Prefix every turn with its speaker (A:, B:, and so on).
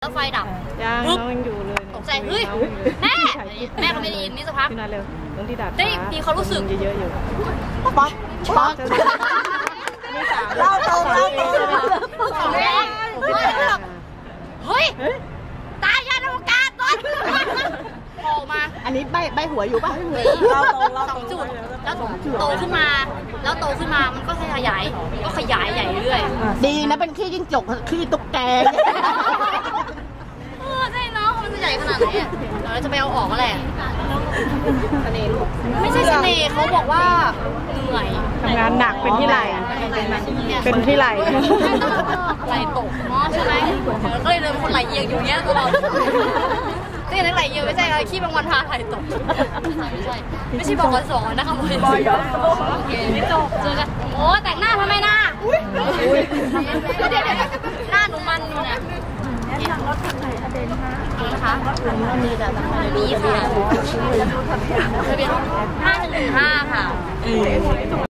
A: แล้วไฟดับ
B: ยังน้องยังอยู่เลย
A: ตกใจเฮ้ยแม่ก็ไม่ได้ยินนี่สักพัก
B: ขึ้นมาเร็วตรงที่ดัด
A: ได้มีความรู้สึก
B: เยอะๆอยู่
C: ป๊อกเล่าตรง
A: เฮ้ยตายยันอวกาศต้นโผล่มา
C: อันนี้ใบหัวอยู่ป่ะ
A: 2 จุดแล้วโตขึ้นมามันก็ขยายใหญ่เรื่อย
C: ดีนะเป็นขี้จิ้งจกขี้ตุ๊กแก
A: ใช่เนาะมันจะใหญ่ขนาดไหนอ่ะเราจะไปเอาออกก็แหละไม่ใช่เสน่ห์เขาบอกว่าเหนื่อย
B: ทำงานหนักเป็นที่ไหลเป็นที่ไหล
A: ไหลตกเนาะใช่ไหมก็เลยเป็นคนไหลเอียงอยู่เนี้ยตลอดที่ไหนไหลเอียงไม่ใช่อะไรขี้บางวันพาไหลตกไม่ใช่บอกวัน2นะคะบอยโอเคเจอกันโอ้แต่งหน้าทำไมหน้าเดี๋ยวหน้าหนูมันอยู่นะรถคันไหนทะเบียนนะคะมีค่ะทะเบียน515ค่ะ